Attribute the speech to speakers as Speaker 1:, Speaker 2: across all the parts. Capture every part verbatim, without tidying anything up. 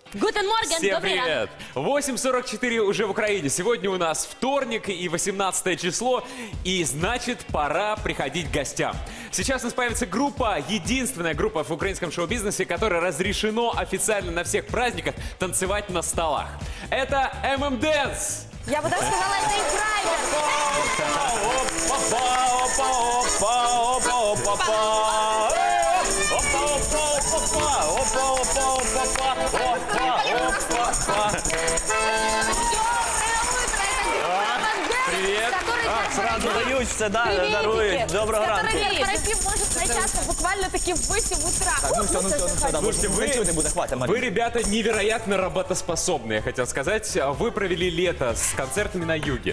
Speaker 1: Гутен Морген,
Speaker 2: Всем
Speaker 1: добрый ранок.
Speaker 2: привет! восемь сорок четыре уже в Украине. Сегодня у нас вторник и восемнадцатое число. И значит, пора приходить к гостям. Сейчас у нас появится группа, единственная группа в украинском шоу-бизнесе, которой разрешено официально на всех праздниках танцевать на столах. Это эм эм Dance!
Speaker 3: Я бы даже сказала, это и
Speaker 2: Привет!
Speaker 4: Сразу дають все, да, дарують. Доброго ранку.
Speaker 3: Корпоратив может начаться буквально-таки в восемь утра.
Speaker 4: Ну все, ну все, ну все, да,
Speaker 2: Слушайте, вы-
Speaker 4: ничего не буде, хватит,
Speaker 2: Вы,
Speaker 4: Марина.
Speaker 2: ребята, невероятно работоспособны, я хотел сказать. Вы провели лето с концертами на юге.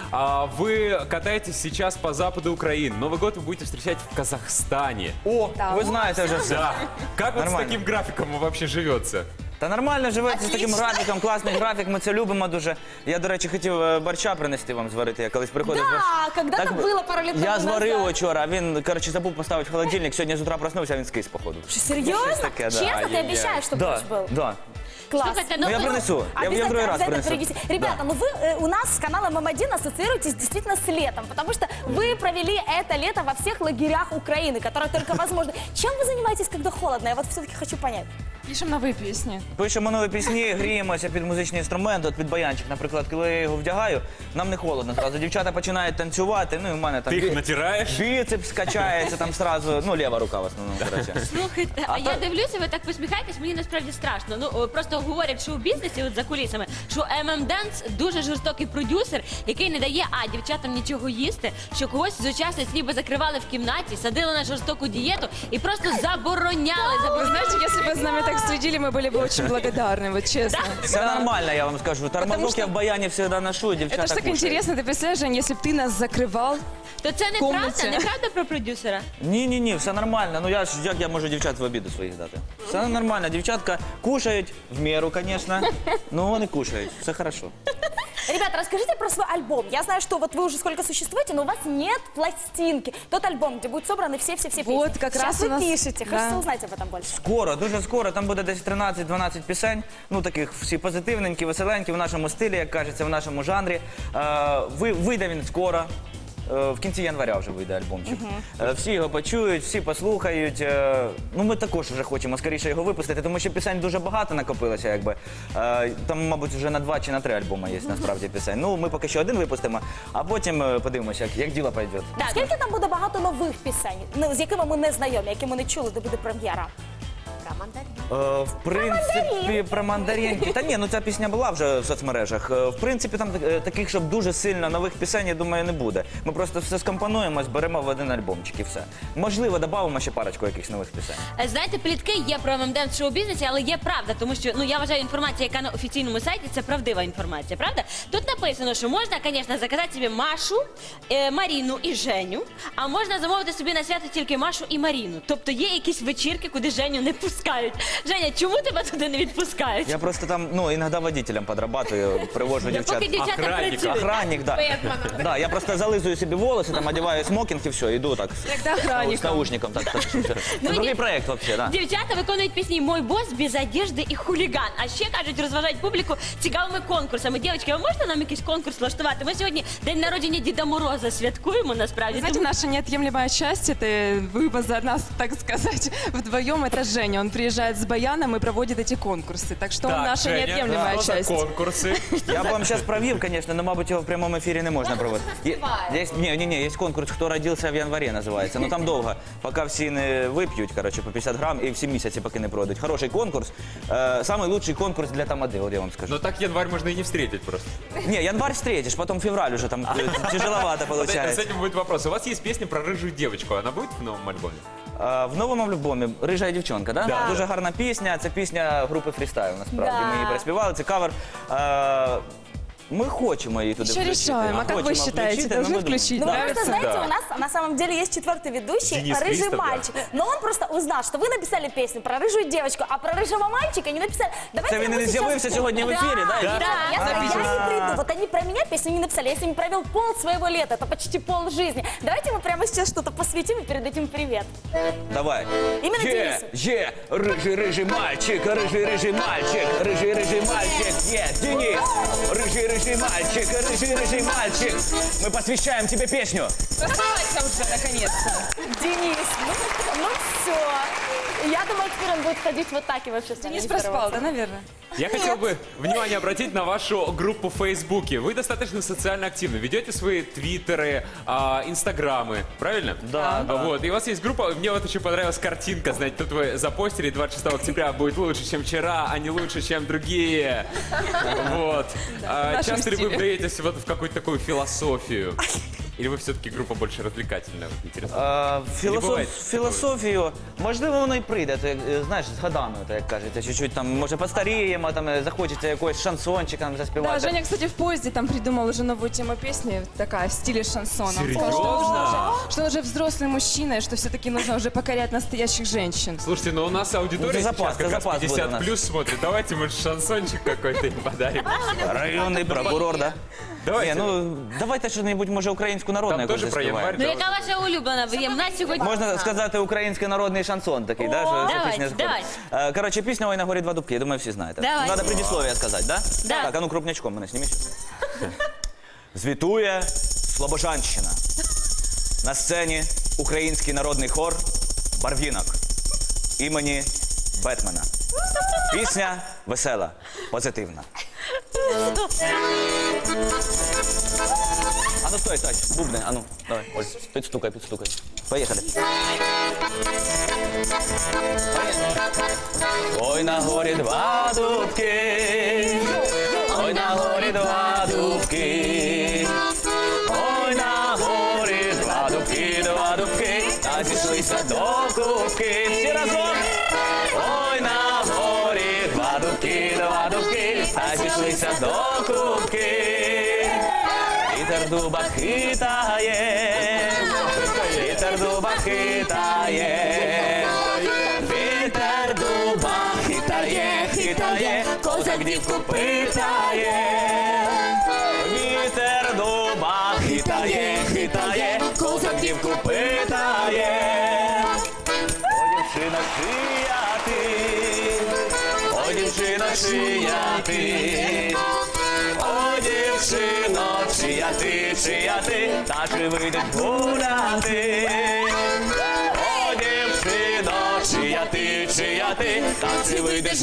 Speaker 2: А Вы катаетесь сейчас по западу Украины. Новый год вы будете встречать в Казахстане.
Speaker 4: О, ви знаєте вже все.
Speaker 2: Да. Как вот с
Speaker 4: Нормально.
Speaker 2: таким графиком вообще живется?
Speaker 4: Та нормально живеться з таким
Speaker 3: Отлично.
Speaker 4: графіком, класний графік, ми це любимо дуже. Я, до речі, хотів е, борща принести вам зварити, я колись приходив.
Speaker 3: Да, когда-то было пару лет
Speaker 4: Я
Speaker 3: тому
Speaker 4: зварив
Speaker 3: назад.
Speaker 4: вчора, а він, коротше, забув поставити в холодильник, сьогодні з утра проснувся, а він скис, походу.
Speaker 3: Что, серьезно?
Speaker 4: таке, да.
Speaker 3: Честно, ты
Speaker 2: Ай-яй-яй.
Speaker 3: обещаешь, что
Speaker 4: Да,
Speaker 3: борщ был?
Speaker 4: да.
Speaker 3: Класс.
Speaker 1: Слушайте,
Speaker 4: Ну я
Speaker 1: вы-
Speaker 4: принесу, я, я в
Speaker 3: Обязательно,
Speaker 4: другой раз
Speaker 3: обязательно
Speaker 4: принесу.
Speaker 3: приведите. Ребята, ну вы э, у нас с каналом эм один ассоциируетесь действительно с летом, потому что вы провели это лето во всех лагерях Украины, которые только возможно. Чем вы занимаетесь, когда холодно? Я вот все-таки хочу понять.
Speaker 5: Пишемо нові пісні.
Speaker 4: Пишемо нові пісні, гріємося під музичний інструмент, от під баянчик, наприклад, коли я його вдягаю, нам не холодно зразу. Дівчата починають танцювати, ну і в мене там
Speaker 2: Ты их
Speaker 4: бі-
Speaker 2: натираешь?
Speaker 4: біцепс качається там сразу, ну ліва рука в основному, коротше.
Speaker 1: Слухайте, а я дивлюся, ви так посміхаєтесь, мені насправді страшно. Ну, о, просто говорять, що у бізнесі, от за кулісами, що ем ем Dance дуже жорстокий продюсер, який не дає, а, дівчатам нічого їсти, що когось з учасниць ніби закривали в кімнаті, садили на жорстоку дієту і просто забороняли,
Speaker 5: Вы
Speaker 1: забороняли.
Speaker 5: знаете, если бы за нами так следили, мы были бы очень благодарны, вот честно.
Speaker 4: Все нормально, я вам скажу. Тормозок
Speaker 5: что-
Speaker 4: я в баяні завжди ношу, дівчата
Speaker 5: Это ж так
Speaker 4: кушають.
Speaker 5: интересно, ты представляешь, Жень, если бы ты нас закрывал,
Speaker 1: То це неправда,
Speaker 5: комнаті.
Speaker 1: неправда про продюсера?
Speaker 4: Ні, ні, ні, все нормально. Ну я ж як я можу дівчат в обіду своїх дати? Все нормально, дівчатка кушають в міру, звісно. Ну вони кушають, все хорошо.
Speaker 3: Ребята, расскажите про свой альбом. Я знаю, что вот вы уже сколько существуете, но у вас нет пластинки. Тот альбом, где будут собраны все-все-все песни.
Speaker 5: Вот, как
Speaker 3: Сейчас
Speaker 5: раз
Speaker 3: вы
Speaker 5: у нас-
Speaker 3: пишете.
Speaker 5: да.
Speaker 3: Хочется узнать об этом больше.
Speaker 4: Скоро, дуже скоро, там буде десь тринадцять-дванадцять пісень, ну таких всі позитивненькі, веселенькі, в нашому стилі, як кажеться, в нашому жанрі. Е, ви, вийде він скоро. Е, В кінці января вже вийде альбомчик. Е, Всі його почують, всі послухають. Е, Ну ми також вже хочемо скоріше його випустити, тому що пісень дуже багато накопилося, якби. Е, Там, мабуть, вже на два чи на три альбоми є насправді пісень. Ну ми поки що один випустимо, а потім е, подивимося, як, як діло пойде.
Speaker 1: Так.
Speaker 3: Скільки там буде багато нових пісень, ну, з якими ми не знайомі, які ми не чули, де буде прем'єра?
Speaker 4: Е, В принципі, про мандаринки. Та ні, ну ця пісня була вже в соцмережах. Е, В принципі, там е, таких, щоб дуже сильно нових пісень, я думаю, не буде. Ми просто все скомпонуємо, зберемо в один альбомчик і все. Можливо, додамо ще парочку якихось нових пісень.
Speaker 1: Е, Знаєте, плітки є про ем ем Dance шоу-бізнесі, але є правда, тому що ну я вважаю, інформація, яка на офіційному сайті, це правдива інформація, правда? Тут написано, що можна, звісно, заказати собі Машу, е, Маріну і Женю, а можна замовити собі на свято тільки Машу і Маріну. Тобто є якісь вечірки, куди Женю не пускають. Женя, чому тебе туди не відпускають?
Speaker 4: Я просто там, ну, іноді водителем подрабатую, привожу дівчат.
Speaker 1: Поки дівчата
Speaker 2: Охранник,
Speaker 1: працюють.
Speaker 4: Охранник, да.
Speaker 1: Поэтому.
Speaker 4: Да, я просто зализую собі волоси, там одягаю смокінг і все, іду так.
Speaker 5: Тогда
Speaker 4: З
Speaker 5: охранником.
Speaker 4: наушником. Так, так. Це
Speaker 1: Ну,
Speaker 4: другий
Speaker 1: ні.
Speaker 4: проєкт взагалі, да.
Speaker 1: Дівчата виконують пісні «Мой бос», «Без одежди» і «Хуліган». А ще, кажуть, розважають публіку цікавими конкурсами. Дівчатки, а можна нам якийсь конкурс влаштувати? Ми сьогодні день народження Діда Мороза святкуємо, насправді.
Speaker 5: знаете,
Speaker 1: Тому-
Speaker 5: наша неотъемлемая часть, это вы за нас, так сказать, вдвоем, это Женя. Он приезжает с баяном и проводит эти конкурсы. Так что он
Speaker 2: Так,
Speaker 5: наша
Speaker 2: Женя,
Speaker 5: неотъемлемая
Speaker 2: что за
Speaker 5: часть.
Speaker 2: конкурсы?
Speaker 4: Я б вам зараз провів, звісно, але, мабуть, його в прямому ефірі не можна проводити. Є, є, ні, ні, ні, є конкурс «Хто родився в январі» називається. Ну там довго, поки всі не вип'ють, коротше, по п'ятдесят грам і всі місяці поки не пройдуть. Хороший конкурс. Е, самий лучший конкурс для тамади, от я вам скажу.
Speaker 2: Ну так январь можно и не встретить просто.
Speaker 4: Не, январь встретишь, потом февраль уже там э, тяжеловато
Speaker 2: Вот это- С
Speaker 4: получается.
Speaker 2: этим будет вопрос. У вас есть песня про рыжую девочку. Она будет в новом альбоме?
Speaker 4: А, в новому альбомі «Рижа дівчонка», да?
Speaker 2: Да.
Speaker 4: Дуже гарна пісня. Це пісня групи «Фрістайл», насправді.
Speaker 3: Да.
Speaker 4: Ми її переспівали, це кавер. А, Ми хочемо її туди
Speaker 5: Еще
Speaker 4: включити.
Speaker 5: решаем. А как вы
Speaker 4: Хочемо
Speaker 5: считаете,
Speaker 4: включити,
Speaker 5: должны
Speaker 4: ну, ми думаємо.
Speaker 5: включить?
Speaker 3: Ну,
Speaker 5: Нравится?
Speaker 3: просто, знаете,
Speaker 2: Да.
Speaker 3: у нас на самом деле есть четвертый ведущий,
Speaker 2: Денис
Speaker 3: рыжий
Speaker 2: Христов, да.
Speaker 3: мальчик. Но он просто узнал, что вы написали песню про рыжую девочку, а про рыжего мальчика не написали. Давайте
Speaker 4: Це він
Speaker 3: ему
Speaker 4: не
Speaker 3: сейчас-
Speaker 4: з'явився сьогодні в ефірі, да?
Speaker 3: Да,
Speaker 1: Да.
Speaker 3: я,
Speaker 1: Да.
Speaker 3: я не приду. Вот они про меня песню не написали. Я с ними провел пол своего лета, это почти пол жизни. Давайте мы прямо сейчас что-то посвятим и передадим привет.
Speaker 4: Давай.
Speaker 3: Іменно
Speaker 4: Є,
Speaker 3: Денису.
Speaker 4: є, рижий, рижий мальчик, рижий, рижий мальчик, рижий, рижий мальчик, є, Денис, рижий, рижий мальчик, рижий, рижий мальчик. Мы посвящаем тебе песню.
Speaker 5: Раскрывайся уже, наконец-то.
Speaker 3: Денис, ну, ну все. Я думаю, теперь он будет ходить вот так и вообще с нами
Speaker 5: Денис
Speaker 3: не
Speaker 5: проспал,
Speaker 3: здороваться.
Speaker 5: да, наверное?
Speaker 2: Я хотел бы внимание обратить на вашу группу в Фейсбуке. Вы достаточно социально активны, ведете свои твиттеры, а, инстаграмы, правильно?
Speaker 4: Да, да.
Speaker 2: Вот, и у вас есть группа, мне вот очень понравилась картинка, знаете, тут вы запостили двадцать шестого октября будет лучше, чем вчера, а не лучше, чем другие. Вот. А,
Speaker 5: в нашем
Speaker 2: часто ли вы
Speaker 5: стиле.
Speaker 2: вдаетесь вот в какую-то такую философию? Или вы все-таки группа больше развлекательная, вот интересно?
Speaker 4: А, філософ...
Speaker 2: буває
Speaker 4: Філософію, можливо, воно і прийде, то, як, е, знаєш, з годами, то, як кажеться, чуть-чуть там, може, постаріємо, там, е, захочеться якогось шансончика там,
Speaker 5: Да,
Speaker 4: заспівати.
Speaker 5: Женя, кстати, в поезде там придумал уже новую тему песни, такая в стиле шансона. Он сказал, что он
Speaker 2: Серьезно?
Speaker 5: уже- что он уже взрослый мужчина, и что все-таки нужно уже покорять настоящих женщин.
Speaker 2: Слушайте, ну у нас аудитория
Speaker 4: Ну, за запас,
Speaker 2: сейчас как
Speaker 4: за
Speaker 2: раз
Speaker 4: запас будет у
Speaker 2: пятьдесят
Speaker 4: нас.
Speaker 2: плюс смотрит. Давайте, может, шансончик какой-то им подарим.
Speaker 4: Районний прокурор, да?
Speaker 2: Давайте.
Speaker 4: Ні, ну, давайте щось, може, українську народну
Speaker 2: Там
Speaker 4: якусь
Speaker 2: теж про
Speaker 4: заспіваємо.
Speaker 2: январь.
Speaker 1: Ну яка ваша улюблена? Ви- В нас сьогодні...
Speaker 4: Можна сказати український народний шансон такий, да? Що, що
Speaker 1: Давайте,
Speaker 4: пісня сходить.
Speaker 1: давайте.
Speaker 4: Е, Коротше, пісня «Ой на горі два дубки», я думаю, всі знаєте.
Speaker 1: Давайте.
Speaker 4: Надо предисловие сказати, да?
Speaker 1: Да.
Speaker 4: Так, а ну крупнячком мене зніміть. Звітує Слобожанщина. На сцені український народний хор «Барвінок» імені Бетмена. Пісня весела, позитивна. А ну стой, стой, бубни, а ну, давай, ось, підстукай, підстукай. Поїхали. Ой, на горі два дубки, ой, на горі два дубки, ой, на горі два дубки, два дубки, та зійшлися до кубки. Всі разом. Ой, на горі два дубки, два дубки, та зійшлися до кубки. Вітер дуба хитає, вітер дуба хитає, вітер дуба хитає, хитає, козак дівку питає. Вітер дуба хитає, хитає, козак дівку питає. О, дівчина, чия ти, о, дівчина, чия ти, о, дівчино, чия ти, чия ти, та чи вийдеш гуляти? О, дівчино, чия ти, чия ти, та чи вийдеш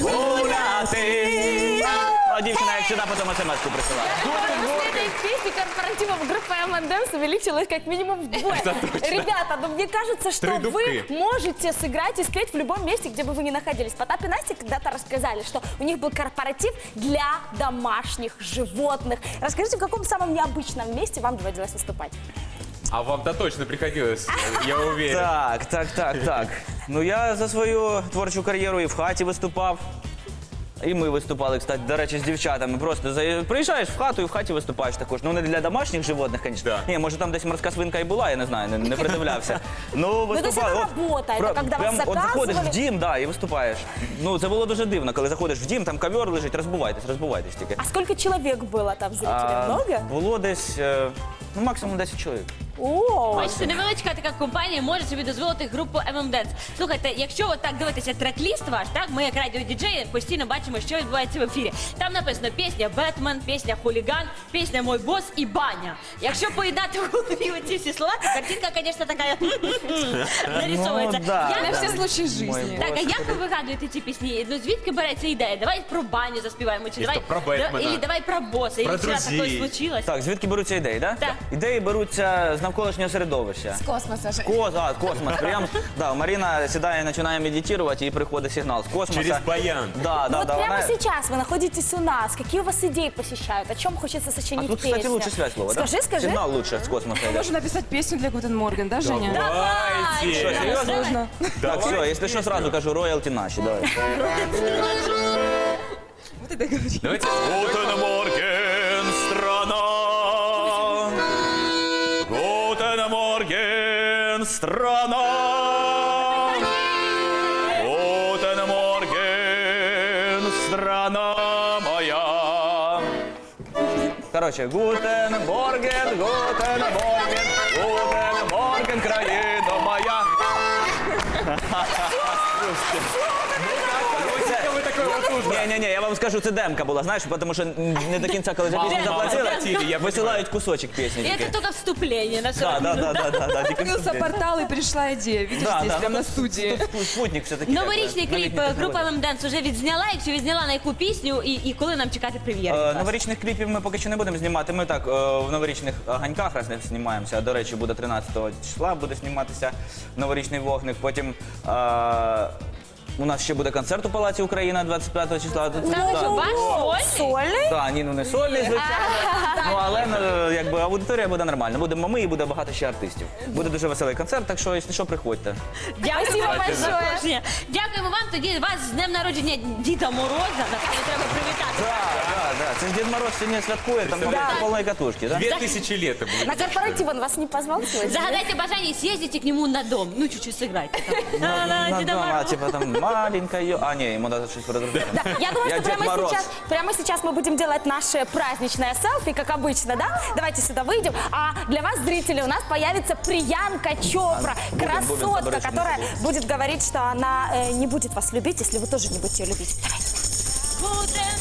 Speaker 4: гуляти? О, дівчина, як сюди, потім смс-ку присилає.
Speaker 3: После этой песни корпоративов группа эм энд эмс увеличилась как минимум вдвое. Ребята, ну мне кажется, что
Speaker 2: Три
Speaker 3: вы
Speaker 2: дубки.
Speaker 3: можете сыграть и спеть в любом месте, где бы вы ни находились. Потап и Настя когда-то рассказали, что у них был корпоратив для домашних животных. Расскажите, в каком самом необычном месте вам доводилось выступать?
Speaker 2: А вам-то точно приходилось, я уверен.
Speaker 4: Так, так, так, так. Ну я за свою творчу кар'єру і в хаті виступав. І ми виступали, кстати, до речі, з дівчатами. Просто за... приїжджаєш в хату і в хаті виступаєш також. Ну не для домашніх животних, звісно.
Speaker 2: Да.
Speaker 4: Ні, може там десь морська свинка і була, я не знаю, не, не придивлявся. Ну,
Speaker 3: то есть
Speaker 4: виступав.
Speaker 3: это
Speaker 4: От,
Speaker 3: работа, это
Speaker 4: про-
Speaker 3: когда вас
Speaker 4: прям от заходиш
Speaker 3: заказывали?
Speaker 4: в дім, да, і виступаєш. Ну, це було дуже дивно, коли заходиш в дім, там ковер лежить, розбувайтесь, розбувайтесь тільки.
Speaker 3: А сколько человек было там зрителей?
Speaker 4: А,
Speaker 3: Много?
Speaker 4: Було десь, е, ну, максимум десять чоловік.
Speaker 3: О,
Speaker 1: Бачите, невеличка така компанія може собі дозволити групу ем ем Dance. Слухайте, якщо от так дивитися трек-ліст ваш, так, ми як радіодіджеї постійно бачимо, що відбувається в ефірі. Там написано пісня «Бетмен», пісня «Хуліган», пісня «Мой бос» і «Баня». Якщо поєднати в голові оці всі слова, то картинка, звісно, така нарисовується.
Speaker 4: Ну, да,
Speaker 1: Я
Speaker 5: На
Speaker 1: не
Speaker 5: все
Speaker 1: всі
Speaker 5: случаи жизни.
Speaker 4: Мой
Speaker 1: Так, а як ви вигадуєте ці пісні? Ну звідки береться ідея? давай про баню заспіваємо, чи
Speaker 2: І
Speaker 1: давай
Speaker 2: що, про Бетмена?
Speaker 1: Или давай про боса,
Speaker 2: Про
Speaker 1: і вчора
Speaker 2: друзей.
Speaker 1: таке случилось.
Speaker 4: Так, звідки беруться ідеї, так?
Speaker 1: Так.
Speaker 4: Ідеї беруться з навколишнього середовища.
Speaker 5: С космоса же.
Speaker 4: Кос, а, космос. Прям, да, Марина сідає, починає медитувати, і приходить сигнал з космоса.
Speaker 2: Через баян.
Speaker 4: Да,
Speaker 3: ну
Speaker 4: да,
Speaker 3: вот
Speaker 4: да.
Speaker 3: прямо
Speaker 4: вона-
Speaker 3: сейчас вы находитесь у нас. Какие у вас идеи посещают? О чем хочется
Speaker 4: А
Speaker 3: сочинить
Speaker 4: тут, кстати,
Speaker 3: песню?
Speaker 4: лучше связь слова, да?
Speaker 3: Скажи, скажи.
Speaker 4: Сигнал лучше с космоса идет.
Speaker 5: Можно написать песню для Гутен Морген, да, Женя?
Speaker 2: Давайте.
Speaker 4: Что, серьезно?
Speaker 5: Можно.
Speaker 4: Так, все, если что, сразу кажу, роялти наши, давай.
Speaker 5: Вот это говори.
Speaker 2: Давайте.
Speaker 4: Гутен Морген, Морген, страна. Гутен Морген, страна. Гутен Морген, страна моя. Короче, Гутен Морген, Гутен Морген, Гутен Морген, країна моя.
Speaker 2: Ви такой вот
Speaker 4: Ні, ні, ні, я вам скажу, це демка була, знаєш, тому що не до кінця, коли вже пісню
Speaker 2: Мало
Speaker 4: заплатили,
Speaker 2: заплатили, я
Speaker 4: висилають кусочок пісні.
Speaker 1: И это
Speaker 4: тільки.
Speaker 1: только вступление на
Speaker 4: Да,
Speaker 1: сорок
Speaker 4: да,
Speaker 1: минут.
Speaker 4: да, да, да, да, тільки
Speaker 5: Открылся
Speaker 4: вступлення.
Speaker 5: портал и пришла идея. Видишь,
Speaker 4: Да,
Speaker 5: здесь
Speaker 4: да,
Speaker 5: прямо
Speaker 4: ну,
Speaker 5: на студии.
Speaker 4: Тут спутник все-таки.
Speaker 1: Новорічний
Speaker 4: якби,
Speaker 1: кліп
Speaker 4: новітній
Speaker 1: група
Speaker 4: технології.
Speaker 1: «Мемденс» вже відзняла. Якщо відзняла, на яку пісню і, і коли нам чекати прем'єри?
Speaker 4: Е, Новорічних кліпів ми поки що не будемо знімати. Ми так е, в новорічних ганьках раз не знімаємося. До речі, буде тринадцятого числа, буде зніматися новорічний вогник. Потім е, у нас ще буде концерт у Палаці Україна двадцять п'ятого числа. Тут-
Speaker 1: Там
Speaker 4: да.
Speaker 1: що, ваш сольний?
Speaker 3: Сольный?
Speaker 4: Так, ні, ну не сольний, звичайно. Ну, але ну, якби аудиторія буде нормальна. Будемо ми і буде багато ще артистів. Буде дуже веселий концерт, так що, якщо що, приходьте.
Speaker 1: Дякую
Speaker 3: Спасибо
Speaker 1: вам за
Speaker 3: большое.
Speaker 1: запрошення. Дякуємо вам. Тоді вас з днем народження Діда Мороза. Напевно, треба привітати.
Speaker 4: Так, так, так. Це ж Дід Мороз сьогодні святкує, там буде
Speaker 3: Да.
Speaker 4: повної катушки, так?
Speaker 2: Две тысячи лет это будет.
Speaker 3: На корпоратив он вас не позвал сегодня?
Speaker 1: Загадайте бажання і съездите к нему на дом. Ну, чуть-чуть сыграйте. там. На- на Діда
Speaker 4: дома,
Speaker 1: Мороза.
Speaker 4: типа там маленькая. А, ні, йому треба щось передружити.
Speaker 3: Да, я думаю,
Speaker 4: Я
Speaker 3: что
Speaker 4: Дед
Speaker 3: прямо
Speaker 4: Мороз.
Speaker 3: сейчас, прямо сейчас мы будем делать наше праздничное селфи, как обычно, да? Давайте сюда выйдем. А для вас, зрители, у нас появится Приянка Чопра,
Speaker 4: Будем, будем,
Speaker 3: красотка,
Speaker 4: заборочек не
Speaker 3: которая
Speaker 4: забудь.
Speaker 3: будет говорить, что она э, не будет вас любить, если вы тоже не будете ее любить. Давайте.
Speaker 1: Буде